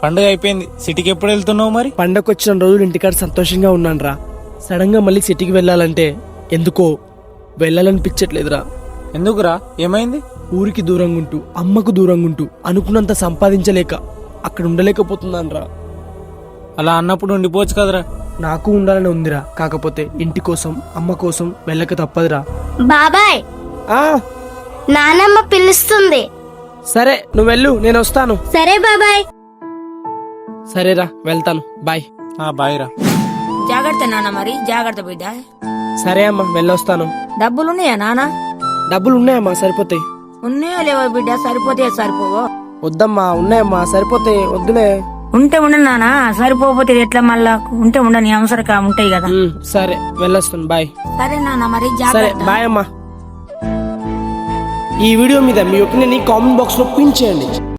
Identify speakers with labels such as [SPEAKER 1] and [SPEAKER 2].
[SPEAKER 1] పండుగ అయిపోయింది, సిటీకి ఎప్పుడు వెళ్తున్నావు మరి?
[SPEAKER 2] పండగ వచ్చిన రోజులు ఇంటికాడ సంతోషంగా ఉన్నాను రా. సడన్ గా మళ్ళీ సిటీకి వెళ్ళాలంటే ఎందుకో వెళ్ళాలనిపించట్లేదురా.
[SPEAKER 1] ఎందుకురా, ఏమైంది?
[SPEAKER 2] ఊరికి దూరంగా ఉంటూ అమ్మకు దూరంగా ఉంటూ అనుకున్నంత సంపాదించలేక అక్కడ ఉండలేకపోతున్నాను రా.
[SPEAKER 1] అలా అన్నప్పుడు ఉండిపోవచ్చు కదరా.
[SPEAKER 2] నాకు ఉండాలని ఉందిరా, కాకపోతే ఇంటి కోసం అమ్మ కోసం వెళ్ళక తప్పదురా.
[SPEAKER 3] బాబాయ్,
[SPEAKER 2] ఆ
[SPEAKER 3] నానమ్మ పిలుస్తుంది.
[SPEAKER 2] సరే నువ్వు వెళ్ళు, నేను వస్తాను.
[SPEAKER 3] సరే బాబాయ్.
[SPEAKER 2] సరేరా, వెళ్తాను. బాయ్.
[SPEAKER 1] బాయ్ రా.
[SPEAKER 4] జాగ్రత్త నాన్న, మరి జాగ్రత్త బిడ్డ.
[SPEAKER 2] సరే అమ్మా, వెళ్ళొస్తాను.
[SPEAKER 4] డబ్బులున్నాయా నాన్న?
[SPEAKER 2] డబ్బులు ఉన్నాయమ్మా, సరిపోతాయి.
[SPEAKER 4] ఉన్నాయో లేవో బిడ్డ, సరిపోతే సరిపోవో.
[SPEAKER 2] వద్దమ్మా, ఉన్నాయమ్మా, సరిపోతాయి. వద్దులే.
[SPEAKER 4] ఉంటే ఉండను నాన్న, సరిపోతే ఎట్లా మళ్ళా? ఉంటే ఉండని అవసరం ఉంటాయి కదా.
[SPEAKER 2] సరే వెళ్ళొస్తాను. బాయ్.
[SPEAKER 4] సరే నాన్న, మరి
[SPEAKER 2] సరే
[SPEAKER 4] జాగ్రత్త.
[SPEAKER 2] బాయ్ అమ్మా. ఈ వీడియో మీద మీ ఒపీనియన్ కామెంట్ బాక్స్ లో పిన్ చేయండి.